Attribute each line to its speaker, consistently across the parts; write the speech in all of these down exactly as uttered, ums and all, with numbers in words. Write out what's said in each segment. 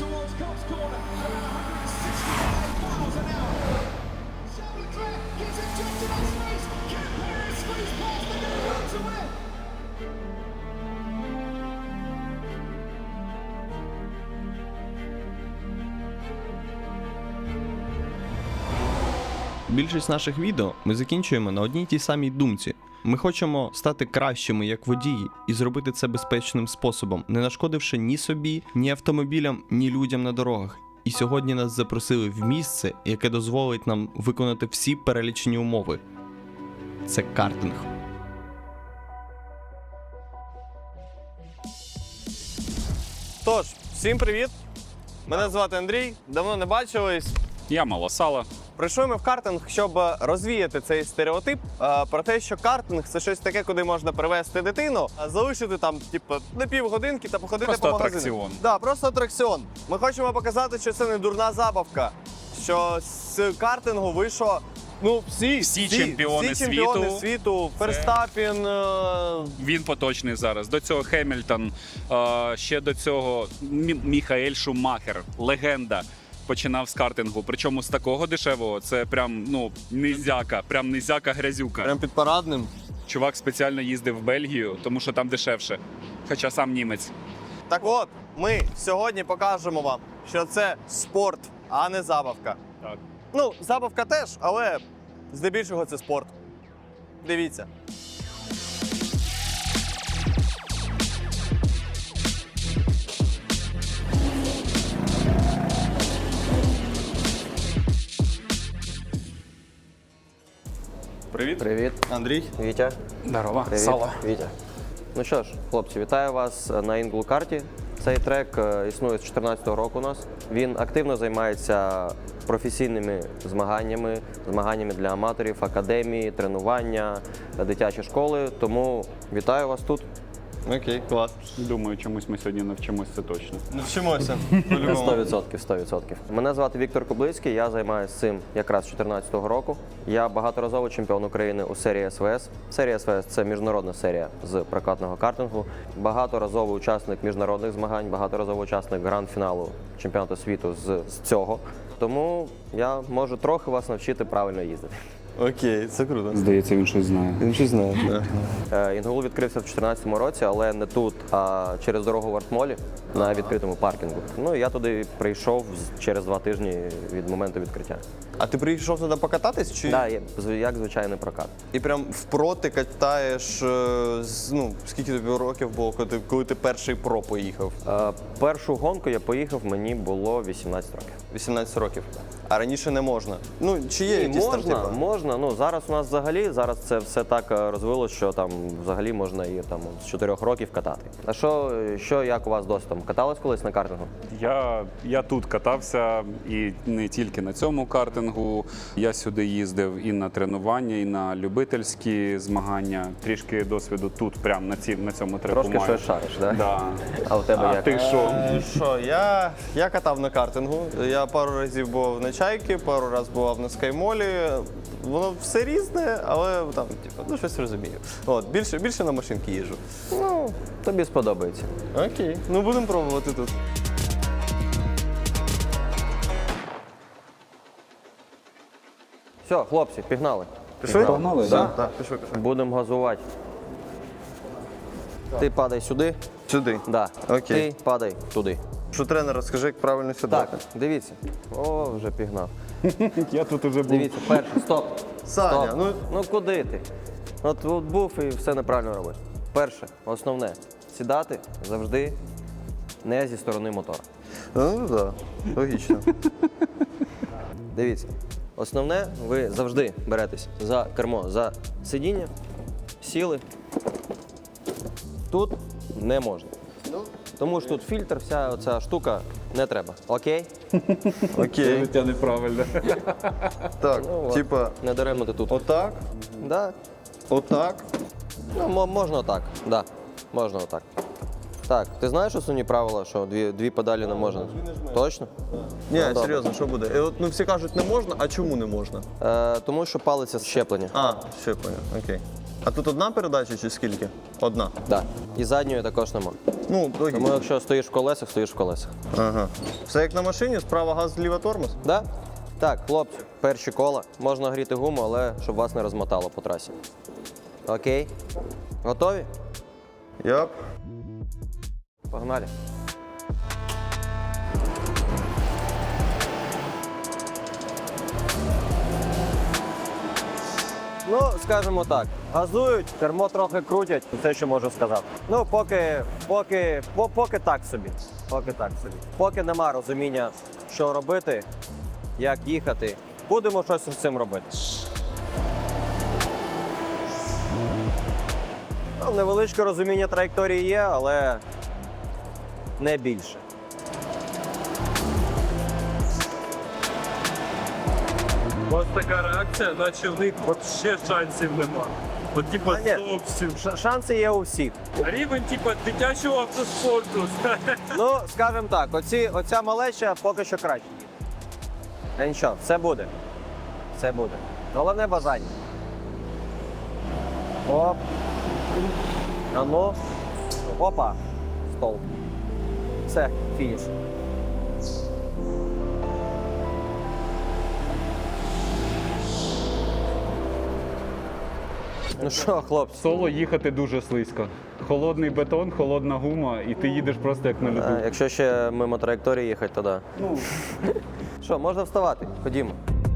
Speaker 1: towards Cobb's corner, around one hundred sixty-five miles an hour. Charles Leclerc gets ejected on space. Can Perez squeeze past the leader to win?
Speaker 2: Більшість наших відео ми закінчуємо на одній тій самій думці. Ми хочемо стати кращими як водії і зробити це безпечним способом, не нашкодивши ні собі, ні автомобілям, ні людям на дорогах. І сьогодні нас запросили в місце, яке дозволить нам виконати всі перелічені умови. Це картинг.
Speaker 3: Тож, всім привіт! Мене звати Андрій, давно не бачились.
Speaker 4: Я Малосала.
Speaker 3: Прийшли ми в картинг, щоб розвіяти цей стереотип е, про те, що картинг – це щось таке, куди можна привезти дитину, а залишити там, типу, на півгодинки та походити
Speaker 4: Просто
Speaker 3: по магазинах.
Speaker 4: атракціон.
Speaker 3: Так, да, просто атракціон. Ми хочемо показати, що це не дурна забавка, що з картингу вийшло, ну, всі,
Speaker 4: Всі чемпіони
Speaker 3: всі чемпіони
Speaker 4: світу.
Speaker 3: світу. Ферстапін, е,
Speaker 4: Він поточний зараз. До цього Хемільтон, е, ще до цього Мі- Міхаель Шумахер, легенда. Починав з картингу. Причому з такого дешевого, це прям, ну, низяка, прям низяка-грязюка.
Speaker 3: прям під парадним.
Speaker 4: Чувак спеціально їздив в Бельгію, тому що там дешевше. Хоча сам німець.
Speaker 3: Так от, ми сьогодні покажемо вам, що це спорт, а не забавка.
Speaker 4: Так.
Speaker 3: Ну, забавка теж, але здебільшого це спорт. Дивіться. Привіт.
Speaker 5: Привіт,
Speaker 3: Андрій.
Speaker 5: Вітя.
Speaker 4: Здорово.
Speaker 5: Привіт,
Speaker 4: Сало.
Speaker 5: Вітя. Ну що ж, хлопці, вітаю вас на Інглкарті. Цей трек е, існує з дві тисячі чотирнадцятого року у нас. Він активно займається професійними змаганнями, змаганнями для аматорів, академії, тренування, дитячі школи. Тому вітаю вас тут.
Speaker 3: Окей, клас.
Speaker 4: Думаю, чомусь ми сьогодні навчимось, це точно.
Speaker 3: Навчимося.
Speaker 5: сто відсотків, сто відсотків. Мене звати Віктор Кублицький, я займаюся цим якраз з дві тисячі чотирнадцятого року. Я багаторазовий чемпіон України у серії ес ве ес. Серія ес ве ес – це міжнародна серія з прокатного картингу. Багаторазовий учасник міжнародних змагань, багаторазовий учасник гранд-фіналу чемпіонату світу з, з цього. Тому я можу трохи вас навчити правильно їздити.
Speaker 3: Окей, це круто.
Speaker 4: Здається, він щось знає.
Speaker 3: Він щось знає.
Speaker 5: Е, Інгул відкрився в дві тисячі чотирнадцятому році, але не тут, а через дорогу в Артмолі на відкритому паркінгу. Ну і я туди прийшов з- через два тижні від моменту відкриття.
Speaker 3: А ти прийшов туди покататись? Чи...
Speaker 5: Так, да, як звичайний прокат.
Speaker 3: І прям впроти катаєш, е, з- ну, скільки тобі років було, коли ти, коли ти перший про поїхав?
Speaker 5: Е, Першу гонку я поїхав, мені було вісімнадцять років.
Speaker 3: вісімнадцять років. А раніше не можна. Ну, чи є
Speaker 5: Ні,
Speaker 3: якісь там,
Speaker 5: можна,
Speaker 3: типа?
Speaker 5: можна. Ну, зараз у нас взагалі, зараз це все так е, розвилось, що там взагалі можна і там з чотирьох років катати. А що, що як у вас досі там? Катались колись на картингу?
Speaker 4: Я, я тут катався і не тільки на цьому картингу. Я сюди їздив і на тренування, і на любительські змагання. Трішки досвіду тут, прямо на, ці, на цьому треку
Speaker 5: Трошки
Speaker 4: маю.
Speaker 5: щось шариш, так?
Speaker 4: Да.
Speaker 5: А у тебе
Speaker 4: А
Speaker 5: як?
Speaker 4: ти що?
Speaker 3: Е, Що, я, я катав на картингу. Я пару разів був на Чайки, пару разів бував на Скаймолі. Воно все різне, але там, типу, ну щось розумію. От, більше, більше на машинки їжджу.
Speaker 5: Ну, тобі сподобається.
Speaker 3: Окей. Ну будемо пробувати тут.
Speaker 5: Все, хлопці, пігнали.
Speaker 3: Пішли?
Speaker 4: Погнали,
Speaker 3: да?
Speaker 4: да?
Speaker 3: Так, пішли, пішли.
Speaker 5: Будемо газувати. Ти падай сюди.
Speaker 3: Сюди.
Speaker 5: Да.
Speaker 3: Окей.
Speaker 5: Ти падай туди.
Speaker 3: Що тренер, розкажи, як правильно сюди.
Speaker 5: Так, дивіться. О, вже пігнав.
Speaker 4: Я тут уже був.
Speaker 5: Дивіться, перший, стоп.
Speaker 3: Саня,
Speaker 5: Стоп.
Speaker 3: ну
Speaker 5: Ну куди ти? От, от був і все неправильно робиш. Перше, основне, сідати завжди не зі сторони мотора.
Speaker 3: ну так, логічно.
Speaker 5: Дивіться, основне, ви завжди беретесь за кермо, за сидіння, сіли. Тут не можна. Тому що тут фільтр, вся оця штука не треба. Окей?
Speaker 3: Окей.
Speaker 4: Життя неправильне.
Speaker 3: Так,
Speaker 5: Ну, от.
Speaker 3: типа,
Speaker 5: Не даремно ти тут.
Speaker 3: отак,
Speaker 5: Да.
Speaker 3: отак.
Speaker 5: Ну, мо- можна отак. Да. Можна отак. Так, ти знаєш основні правила, що дві, дві педалі не можна? Точно?
Speaker 3: Ні,
Speaker 5: Ну, добре.
Speaker 3: серйозно, що буде? І от, ну всі кажуть, не можна, а чому не можна?
Speaker 5: Е, тому що палиться щеплення.
Speaker 3: А, все, понял, окей. А тут одна передача чи скільки? Одна.
Speaker 5: Да. І задньої також нема.
Speaker 3: Ну, логічно.
Speaker 5: Тому якщо стоїш в колесах, стоїш в колесах.
Speaker 3: Ага. Все як на машині, справа газ, зліва тормоз?
Speaker 5: Да? Так, хлопці, перші кола. Можна гріти гуму, але щоб вас не розмотало по трасі. Окей. Готові?
Speaker 3: Яп.
Speaker 5: Погнали. Ну, скажімо так, газують, кермо трохи крутять, це що можу сказати. Ну, поки, поки, по- поки так собі. Поки так собі. Поки нема розуміння, що робити, як їхати. Будемо щось з цим робити. Ну, невеличке розуміння траєкторії є, але не більше.
Speaker 6: Ось така реакція, наче в них ще шансів нема. От типу
Speaker 5: А, ні.
Speaker 6: зовсім.
Speaker 5: Ш- шанси є у всіх.
Speaker 6: Рівень типу дитячого автоспорту.
Speaker 5: Ну, скажімо так, оці, оця малеча поки що краще. Та нічого, все буде. Все буде. Головне бажання. Оп. А ну. Опа. Стол. Все, фініш. Ну що, хлопці?
Speaker 4: Соло їхати дуже слизько. Холодний бетон, холодна гума, і ти їдеш просто як на льоду.
Speaker 5: А, якщо ще мимо траєкторії їхати, то да.
Speaker 4: Ну,
Speaker 5: Що, можна вставати? Ходімо.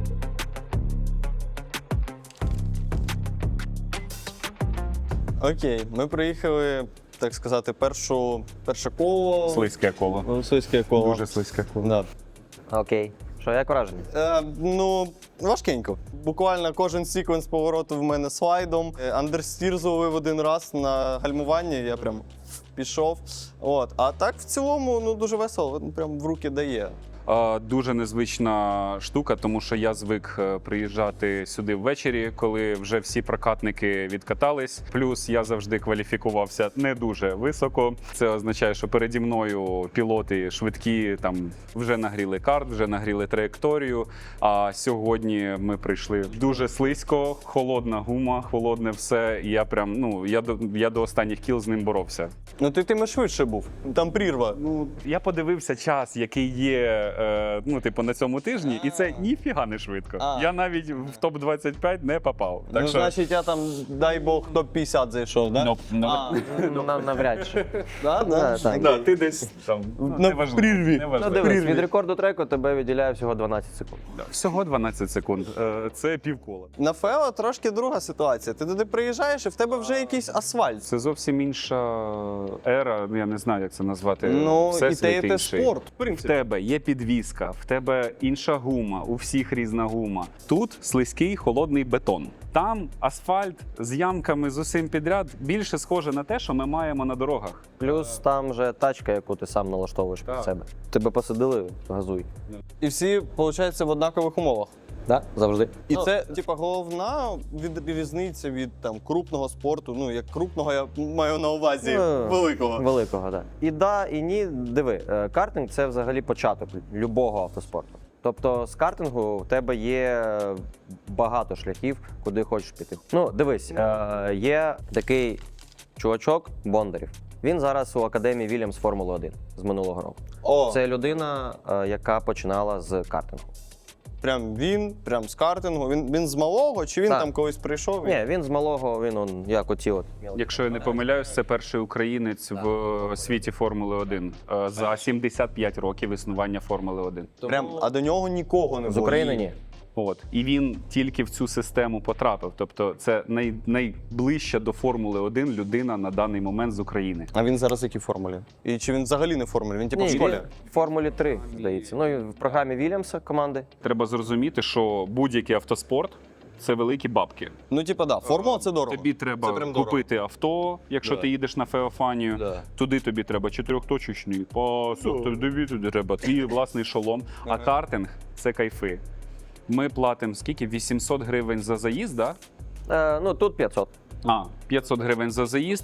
Speaker 3: Окей, ми приїхали, так сказати, першу, перше коло.
Speaker 4: слизьке коло.
Speaker 3: Ну, слизьке коло.
Speaker 4: Дуже слизьке коло.
Speaker 3: Да.
Speaker 5: Окей. Що, як враження?
Speaker 3: Е, ну, важкенько. Буквально кожен секвенс повороту в мене слайдом. Е, Андерстір зловив один раз на гальмуванні, я прям пішов. От. А так в цілому ну, дуже весело, прям в руки дає.
Speaker 4: А, Дуже незвична штука, тому що я звик е, приїжджати сюди ввечері, коли вже всі прокатники відкатались. Плюс я завжди кваліфікувався не дуже високо. Це означає, що переді мною пілоти швидкі там вже нагріли карт, вже нагріли траєкторію. А сьогодні ми прийшли дуже слизько, холодна гума, холодне все. І я прям ну я до я до останніх кіл з ним боровся.
Speaker 3: Ну ти тим і швидше був. Там прірва.
Speaker 4: Ну я подивився час, який є. Е, ну, типу, на цьому тижні, і це ніфіга не швидко.
Speaker 3: А.
Speaker 4: Я навіть в топ двадцять п'ять не попав. Так
Speaker 3: ну,
Speaker 4: що
Speaker 3: значить, я там, дай Бог, топ п'ятдесят зайшов, да?
Speaker 4: ну, ну,
Speaker 3: А,
Speaker 5: Ну, на- навряд чи.
Speaker 3: да, да?
Speaker 5: Да, так.
Speaker 4: да, ти десь там ну,
Speaker 3: На
Speaker 4: неважливо,
Speaker 3: прірві.
Speaker 4: неважливо.
Speaker 5: Ну, дивись, від рекорду треку тебе відділяє всього дванадцять секунд.
Speaker 4: Да, всього дванадцять секунд. Е, це півкола.
Speaker 3: На Фео трошки друга ситуація. Ти туди приїжджаєш і в тебе вже якийсь асфальт.
Speaker 4: Це зовсім інша ера, ну я не знаю, як це назвати.
Speaker 3: Ну, і
Speaker 4: Всесвіт
Speaker 3: те, і те
Speaker 4: інший.
Speaker 3: спорт, в
Speaker 4: В
Speaker 3: принципі.
Speaker 4: тебе є підвізка, в тебе інша гума, у всіх різна гума. Тут слизький холодний бетон. Там асфальт з ямками з усім підряд більше схоже на те, що ми маємо на дорогах.
Speaker 5: Плюс там же тачка, яку ти сам налаштовуєш під
Speaker 4: Так.
Speaker 5: себе. Тебе посадили, газуй.
Speaker 3: І всі, виходить, в однакових умовах.
Speaker 5: Да? Завжди.
Speaker 3: І це, типа, головна від, різниця від там крупного спорту. Ну, як крупного я маю на увазі
Speaker 5: Ну,
Speaker 3: великого.
Speaker 5: Великого, так. Да. І да, і ні. Диви, е, картинг це взагалі початок любого автоспорту. Тобто з картингу в тебе є багато шляхів, куди хочеш піти. Ну, дивись, е, є такий чувачок Бондарів. Він зараз у академії Вільямс Формули один з минулого року.
Speaker 3: О,
Speaker 5: Це людина, е, яка починала з картингу.
Speaker 3: прям він, прям з картингу. Він, він з малого, чи він
Speaker 5: Так.
Speaker 3: там колись прийшов?
Speaker 5: Ні, він з малого, він он, як оці от.
Speaker 4: Якщо я не помиляюсь, це перший українець в світі Формули один е, за сімдесят п'ять років існування Формули один.
Speaker 3: Прям, а до нього нікого не
Speaker 5: З
Speaker 3: було.
Speaker 5: України ні.
Speaker 4: От і він тільки в цю систему потрапив. Тобто, це най, найближча до Формули один людина на даний момент з України.
Speaker 3: А він зараз в якій формулі? І чи він взагалі не в формулі? Він типу в
Speaker 5: Ні,
Speaker 3: школі?
Speaker 5: він в Формулі три, здається. Ну і в програмі Вільямса команди.
Speaker 4: Треба зрозуміти, що будь-який автоспорт це великі бабки.
Speaker 3: Ну, типу, да, формула це дорого.
Speaker 4: Тобі треба
Speaker 3: Це прям дорого.
Speaker 4: купити авто, якщо
Speaker 3: Да.
Speaker 4: ти їдеш на Феофанію.
Speaker 3: Да.
Speaker 4: Туди тобі треба чотирьохточечний пасок, тобі туди треба твій власний шолом. А картинг це кайфи. Ми платимо скільки? вісімсот гривень за заїзд, да?
Speaker 5: Е, ну тут п'ятсот.
Speaker 4: А, п'ятсот гривень за заїзд.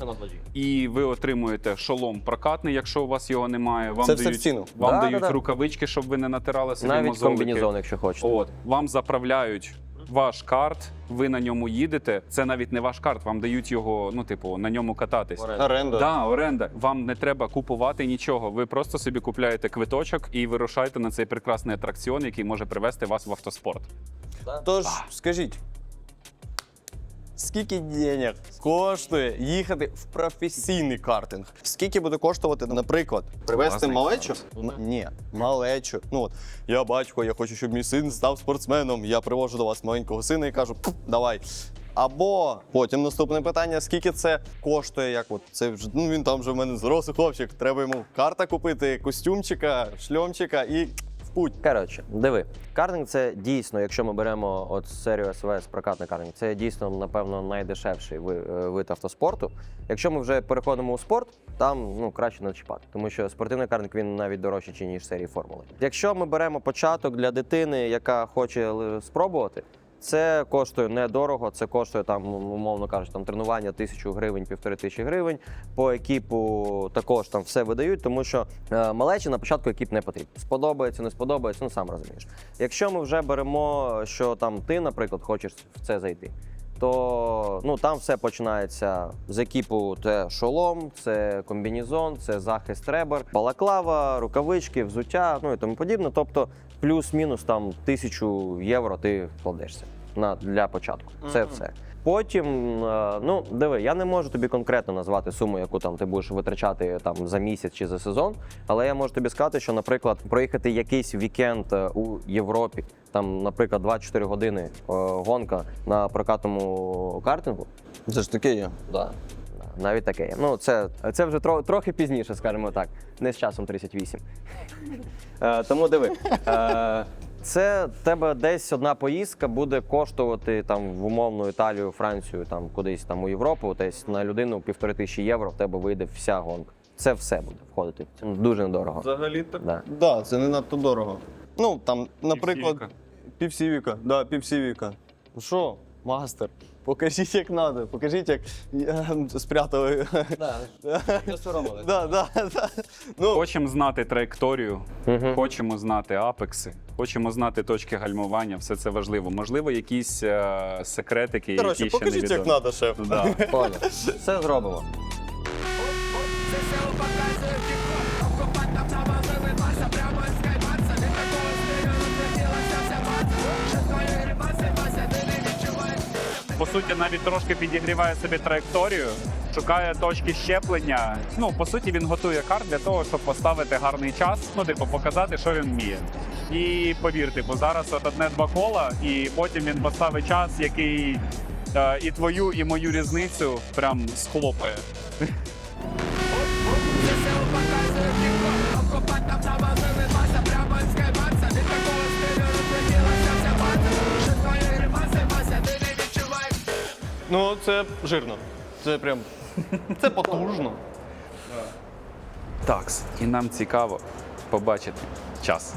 Speaker 4: І ви отримуєте шолом прокатний, якщо у вас його немає. Вам
Speaker 3: Це все
Speaker 4: дають,
Speaker 3: в ціну?
Speaker 4: Вам
Speaker 5: Да,
Speaker 4: дають
Speaker 5: да, да.
Speaker 4: рукавички, щоб ви не натирали собі
Speaker 5: Навіть
Speaker 4: мозолики.
Speaker 5: комбінезон, якщо хочете.
Speaker 4: От, вам заправляють ваш карт, ви на ньому їдете. Це навіть не ваш карт, вам дають його, ну, типу, на ньому кататись.
Speaker 3: Оренда.
Speaker 4: Да, оренда. Вам не треба купувати нічого. Ви просто собі купляєте квиточок і вирушаєте на цей прекрасний атракціон, який може привести вас в автоспорт.
Speaker 3: Тож, скажіть, скільки денег коштує їхати в професійний картинг? Скільки буде коштувати, наприклад, привезти
Speaker 4: Класний
Speaker 3: малечу? М- Ні, малечу. Ну от, я батько, я хочу, щоб мій син став спортсменом. Я привожу до вас маленького сина і кажу, «Пф, давай. Або потім наступне питання: скільки це коштує? Як от це вже ну він там вже в мене зрослий хлопчик. Треба йому карта купити, костюмчика, шльомчика і в путь.
Speaker 5: Коротше, диви, картинг це дійсно, якщо ми беремо от серію ес ве ес, прокатний картинг, це дійсно, напевно, найдешевший ви- е, вид автоспорту. Якщо ми вже переходимо у спорт, там ну, краще не чіпати, тому що спортивний картинг він навіть дорожчий, ніж серії формули. Якщо ми беремо початок для дитини, яка хоче л- спробувати, це коштує недорого, це коштує там, умовно кажучи, там тренування тисячу гривень, півтори тисячі гривень. По екіпу також там все видають, тому що е, малечі на початку екіп не потрібен. Сподобається, не сподобається, ну сам розумієш. Якщо ми вже беремо, що там ти, наприклад, хочеш в це зайти, то ну там все починається з екіпу. Це шолом, це комбінезон, це захист ребер, балаклава, рукавички, взуття, ну і тому подібне. Тобто плюс-мінус там тисячу євро ти вкладешся на для початку. Це все. Потім, е, ну диви, я не можу тобі конкретно назвати суму, яку там ти будеш витрачати там за місяць чи за сезон, але я можу тобі сказати, що, наприклад, проїхати якийсь вікенд е, у Європі, там, наприклад, двадцять чотири години е, гонка на прокатному картингу.
Speaker 3: Це ж таке є.
Speaker 5: Да. Навіть таке є. Ну, це, це вже тро, трохи пізніше, скажімо так, не з часом тридцять вісім. Е, тому диви. Е, це тебе десь одна поїздка буде коштувати там в умовну Італію, Францію, там кудись там у Європу, десь на людину півтори тисячі євро в тебе вийде вся гонка. Це все буде входити. Це дуже недорого.
Speaker 3: Взагалі так.
Speaker 5: Да.
Speaker 3: Да, це не надто дорого. Ну, там, наприклад,
Speaker 4: Півсівіка.
Speaker 3: півсівіка. Да, півсівіка. Ну що, мастер, покажіть, як треба, покажіть, як е, спрятали.
Speaker 5: Не соромили.
Speaker 3: Да, да, да. Ну,
Speaker 4: Хочемо знати траєкторію, хочемо знати апекси, хочемо знати точки гальмування, все це важливо. Можливо, якісь е, секретики,
Speaker 3: коротше,
Speaker 4: які ще не
Speaker 3: покажіть, як
Speaker 4: відомі.
Speaker 3: треба, шеф.
Speaker 4: Да.
Speaker 5: Понял. Все зробимо.
Speaker 1: Це село показує тік-ток, обкопать там навалили маса, прямо із скайбарса, від такого стилю розлетілася вся база, що твої гримаси, Вася, ти не відчуваєш.
Speaker 4: По суті, навіть трошки підігріває собі траєкторію, шукає точки щеплення. Ну, по суті, він готує карт для того, щоб поставити гарний час, ну, типу, показати, що він вміє. І повірте, бо зараз от одне-два кола, і потім він поставить час, який е, і твою, і мою різницю прям схлопає.
Speaker 1: Це село показує тік-ток, обкопать там навалили маса, прямо із скайбарса, від такого стилю розлетілася вся база, що твої гримаси, Вася, ти не відчуваєш.
Speaker 3: Ну, це жирно. Це прям. Це потужно.
Speaker 4: Такс. І нам цікаво побачити час.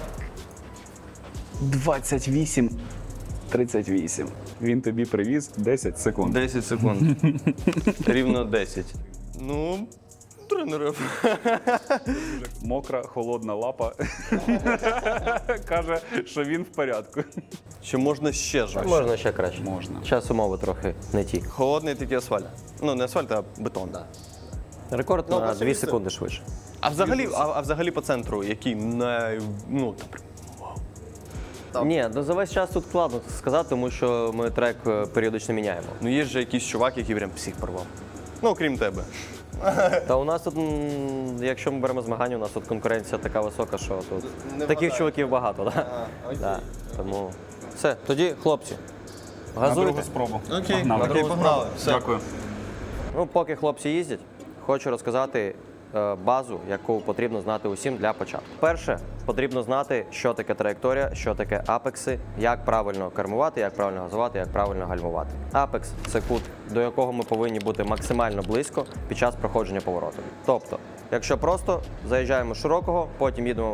Speaker 4: двадцять вісім тридцять вісім. Він тобі привіз десять секунд.
Speaker 3: десять секунд. Рівно десять. Ну, тренери.
Speaker 4: Мокра, холодна лапа каже, що він в порядку.
Speaker 3: Чи можна ще жорстче?
Speaker 5: Можна ще краще.
Speaker 4: Можна.
Speaker 5: Час умови трохи не ті.
Speaker 3: Холодний такий асфальт. Ну, не асфальт, а бетон. Да.
Speaker 5: Рекорд
Speaker 3: Ну,
Speaker 5: на
Speaker 3: перше
Speaker 5: дві
Speaker 3: місце.
Speaker 5: секунди швидше.
Speaker 3: А взагалі, а, а взагалі по центру, який най... Ну, там, Так.
Speaker 5: Ні, ну за весь час тут складно сказати, тому що ми трек е, періодично міняємо.
Speaker 3: ну є ж якийсь чувак, який прям всіх порвав. Ну, окрім тебе.
Speaker 5: Та у нас тут, м, якщо ми беремо змагання, у нас тут конкуренція така висока, що тут
Speaker 3: Не
Speaker 5: таких
Speaker 3: вгадаю.
Speaker 5: чуваків багато. Да? Да. Тому все, тоді хлопці,
Speaker 4: На другу
Speaker 5: газуйте.
Speaker 4: спробу.
Speaker 3: Окей,
Speaker 4: Погнали.
Speaker 3: окей, погнали. Все.
Speaker 4: Дякую.
Speaker 5: Ну, поки хлопці їздять, хочу розказати е, базу, яку потрібно знати усім для початку. Перше, потрібно знати, що таке траєкторія, що таке апекси, як правильно кермувати, як правильно газувати, як правильно гальмувати. Апекс – це кут, до якого ми повинні бути максимально близько під час проходження повороту. Тобто, якщо просто заїжджаємо з широкого, потім їдемо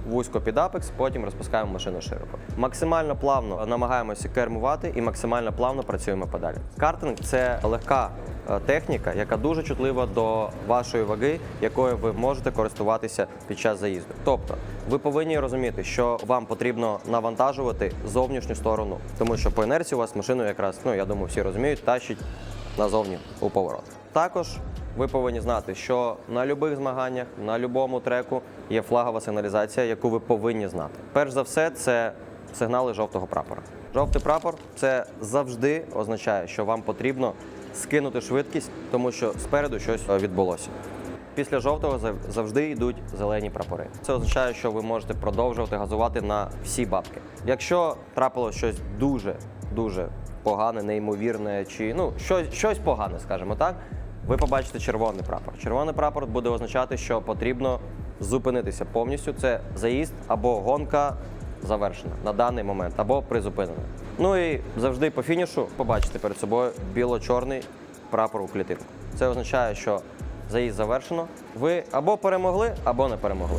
Speaker 5: вузько під апекс, потім розпускаємо машину широко. Максимально плавно намагаємося кермувати і максимально плавно працюємо педалі. Картинг – це легка е, техніка, яка дуже чутлива до вашої ваги, якою ви можете користуватися під час заїзду. Тобто, ви повинні розуміти, що вам потрібно навантажувати зовнішню сторону, тому що по інерції у вас машину якраз, ну я думаю, всі розуміють, тащить назовні у поворот. Також ви повинні знати, що на будь-яких змаганнях, на будь-якому треку є флагова сигналізація, яку ви повинні знати. Перш за все, це сигнали жовтого прапора. Жовтий прапор – це завжди означає, що вам потрібно скинути швидкість, тому що спереду щось відбулося. Після жовтого завжди йдуть зелені прапори. Це означає, що ви можете продовжувати газувати на всі бабки. Якщо трапилось щось дуже-дуже погане, неймовірне, чи ну щось, щось погане, скажімо так, ви побачите червоний прапор. Червоний прапор буде означати, що потрібно зупинитися повністю. Це заїзд або гонка завершена на даний момент, або призупинена. Ну і завжди по фінішу побачите перед собою біло-чорний прапор у клітинку. Це означає, що заїзд завершено. Ви або перемогли, або не перемогли.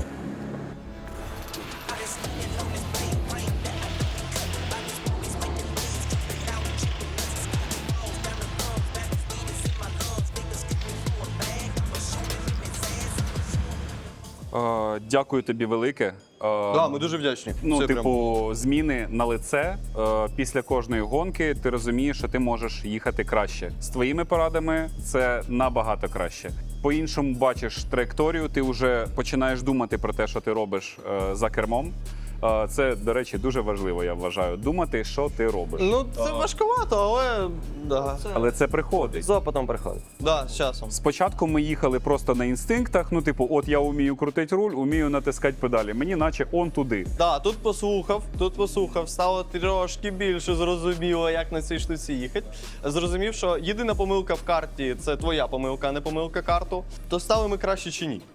Speaker 4: Е, Дякую тобі велике. Е,
Speaker 3: Да, ми дуже вдячні.
Speaker 4: Ну,
Speaker 3: Це
Speaker 4: типу, зміни на лице. Е, після кожної гонки ти розумієш, що ти можеш їхати краще. З твоїми порадами це набагато краще. По-іншому бачиш траєкторію, ти вже починаєш думати про те, що ти робиш е, за кермом. Е, це, до речі, дуже важливо, я вважаю. Думати, що ти робиш.
Speaker 3: Ну, це важкувато, але да.
Speaker 4: Але це приходить.
Speaker 5: З опитом приходить.
Speaker 3: Да, з часом.
Speaker 4: Спочатку ми їхали просто на інстинктах. Ну, типу, от я вмію крутити руль, вмію натискати педалі. Мені наче он туди.
Speaker 3: Да, тут послухав, тут послухав, стало трошки більше зрозуміло, як на цій штуці їхати. Зрозумів, що єдина помилка в карті це твоя помилка, а не помилка карту. То стали ми краще чи ні?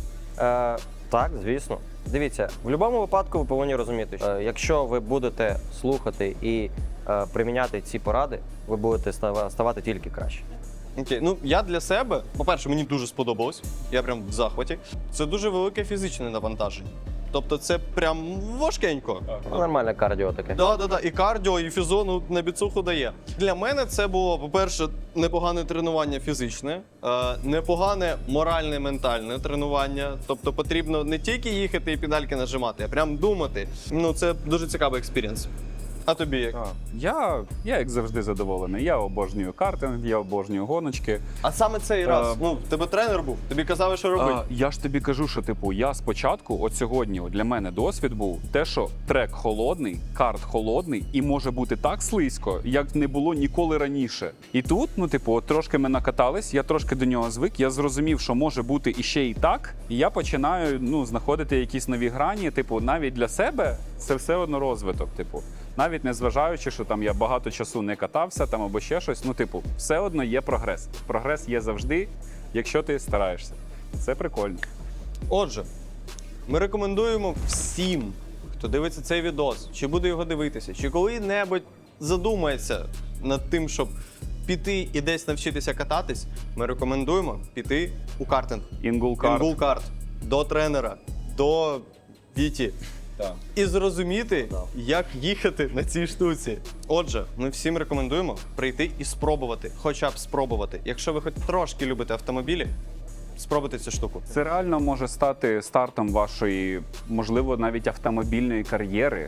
Speaker 5: Е, так, звісно. Дивіться, в будь-якому випадку ви повинні розуміти, що е, якщо ви будете слухати і е, приміняти ці поради, ви будете става- ставати тільки краще.
Speaker 3: Окей, ну я для себе, по-перше, мені дуже сподобалось. Я прям в захваті. Це дуже велике фізичне навантаження. Тобто це прям важкенько.
Speaker 5: Ну, нормальне кардіо таке.
Speaker 3: Да, да, да. І кардіо, і фізо, ну, на біцуху дає. Для мене це було, по-перше, непогане тренування фізичне, е, непогане моральне, ментальне тренування. Тобто потрібно не тільки їхати і педальки нажимати, а прям думати. Ну, це дуже цікавий експірієнс. А тобі як?
Speaker 4: Я, я як завжди задоволений. Я обожнюю картинг, я обожнюю гоночки.
Speaker 3: А саме цей раз,
Speaker 4: Е,
Speaker 3: ну, в тебе тренер був, тобі казали, що робити.
Speaker 4: А, я ж тобі кажу, що типу, я спочатку, от сьогодні от для мене досвід був те, що трек холодний, карт холодний, і може бути так слизько, як не було ніколи раніше. І тут, ну, типу, от трошки ми накатались, я трошки до нього звик, я зрозумів, що може бути іще і так, і я починаю ну, знаходити якісь нові грані. Типу, навіть для себе це все одно розвиток. Типу, навіть не зважаючи, що там я багато часу не катався там або ще щось, ну, типу, все одно є прогрес. Прогрес є завжди, якщо ти стараєшся. Це прикольно.
Speaker 3: Отже, ми рекомендуємо всім, хто дивиться цей відос, чи буде його дивитися, чи коли-небудь задумається над тим, щоб піти і десь навчитися кататись, ми рекомендуємо піти у картинг.
Speaker 4: Інгулкарт.
Speaker 3: Інгулкарт. До тренера, до Віті.
Speaker 4: Так.
Speaker 3: І зрозуміти, як їхати на цій штуці. Отже, ми всім рекомендуємо прийти і спробувати, хоча б спробувати. Якщо ви хоч трошки любите автомобілі, спробуйте цю штуку.
Speaker 4: Це реально може стати стартом вашої, можливо, навіть автомобільної кар'єри,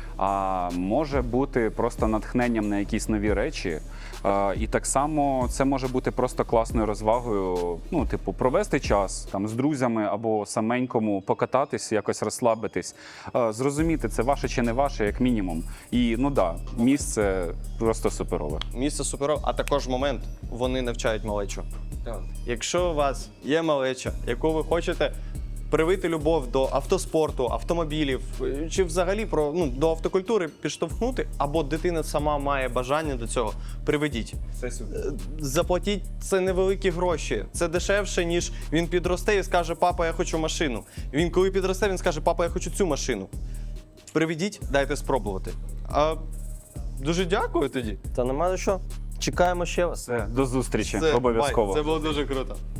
Speaker 4: а може бути просто натхненням на якісь нові речі. А, і так само це може бути просто класною розвагою, ну, типу, провести час там з друзями або саменькому, покататись, якось розслабитись, а, зрозуміти, це ваше чи не ваше, як мінімум. І, ну да, місце просто суперове.
Speaker 3: Місце суперове, а також момент, вони навчають малечу.
Speaker 4: Так.
Speaker 3: Якщо у вас є малеча, яку ви хочете привити любов до автоспорту, автомобілів, чи взагалі про ну, до автокультури підштовхнути, або дитина сама має бажання до цього, приведіть.
Speaker 4: Це сюди.
Speaker 3: Е, Заплатіть це невеликі гроші. Це дешевше, ніж він підросте і скаже: папа, я хочу машину. Він коли підросте, він скаже: папа, я хочу цю машину. Приведіть, дайте спробувати. А дуже дякую тоді.
Speaker 5: Та нема за що. Чекаємо ще вас.
Speaker 4: До зустрічі,
Speaker 3: Все,
Speaker 4: обов'язково.
Speaker 3: бай. Це було дуже круто.